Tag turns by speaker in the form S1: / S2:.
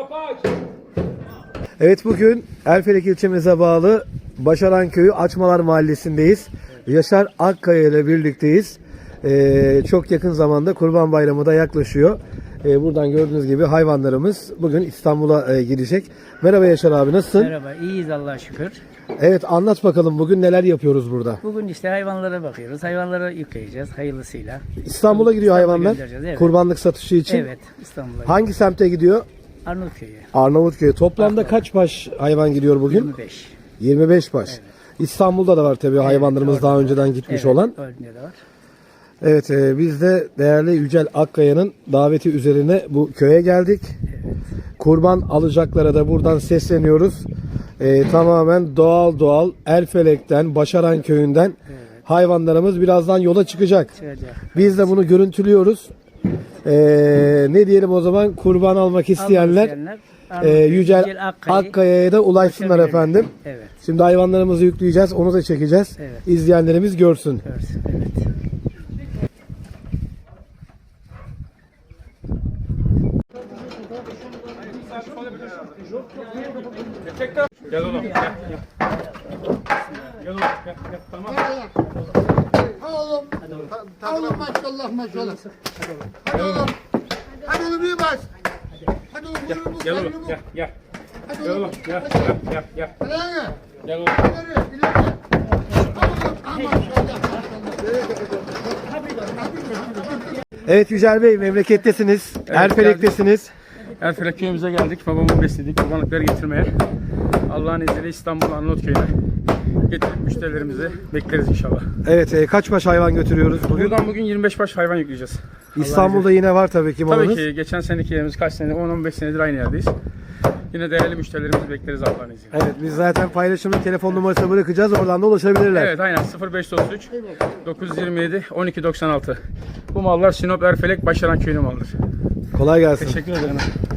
S1: Evet, bugün Erfelek ilçemize bağlı Başaran Köyü Açmalar Mahallesi'ndeyiz. Yaşar Akkaya ile birlikteyiz. Çok yakın zamanda Kurban Bayramı da yaklaşıyor. Buradan gördüğünüz gibi hayvanlarımız bugün İstanbul'a gidecek. Merhaba Yaşar abi, nasılsın?
S2: Merhaba, iyiyiz Allah'a şükür.
S1: Evet, anlat bakalım bugün neler yapıyoruz burada?
S2: Bugün işte hayvanlara bakıyoruz. Hayvanlara yükleyeceğiz hayırlısıyla.
S1: İstanbul'a gidiyor hayvanlar.
S2: Evet.
S1: Kurbanlık satışı için.
S2: Evet, İstanbul'a.
S1: Hangi semte gidiyor?
S2: Arnavutköy'e.
S1: Arnavutköy'e. Toplamda kaç baş hayvan gidiyor bugün?
S2: 25.
S1: 25 baş. Evet. İstanbul'da da var tabii hayvanlarımız daha önceden gitmiş olan.
S2: Örneğinde de var.
S1: Evet, biz de değerli Yücel Akkaya'nın daveti üzerine bu köye geldik.
S2: Evet.
S1: Kurban alacaklara da buradan sesleniyoruz. Tamamen doğal Erfelek'ten, Başaran Köyü'nden hayvanlarımız birazdan yola çıkacak. Biz de bunu görüntülüyoruz. Ne diyelim o zaman, kurban almak isteyenler Yücel Akkaya'ya da ulaşsınlar efendim.
S2: Evet.
S1: Şimdi hayvanlarımızı yükleyeceğiz, onu da çekeceğiz.
S2: Evet.
S1: İzleyenlerimiz görsün.
S2: Evet.
S3: Gel oğlum, gel. Gel oğlum, gel. Tamam.
S4: Oğlum, oğlum maşallah. Hadi oğlum. Hadi oğlum iyi baş. Hadi oğlum.
S3: Gel oğlum, gel. Gel oğlum, gel.
S4: Hadi lan.
S3: Gel oğlum.
S4: İleri. Oğlum, maşallah.
S1: Evet Yücel Bey, memlekettesiniz, Erfelek'tesiniz.
S3: Erfelek köyümüze geldik. Babamın beslediği kurbanlıkları getirmeye. Allah'ın izniyle İstanbul Arnavutköy'üne getirip müşterilerimizi bekleriz inşallah.
S1: Evet, kaç baş hayvan götürüyoruz bugün?
S3: Buradan bugün 25 baş hayvan yükleyeceğiz.
S1: İstanbul'da yine var tabii ki malınız.
S3: Tabii ki geçen seneki yerimiz kaç senedir, 10-15 senedir aynı yerdeyiz. Yine değerli müşterilerimizi bekleriz Allah'ın izniyle.
S1: Evet, biz zaten paylaşımın telefon numarasını bırakacağız, oradan da ulaşabilirler.
S3: Evet, aynen 0533 927 1296. Bu mallar Sinop Erfelek Başaran Köyü'nün malıdır.
S1: Kolay gelsin.
S3: Teşekkür ederim.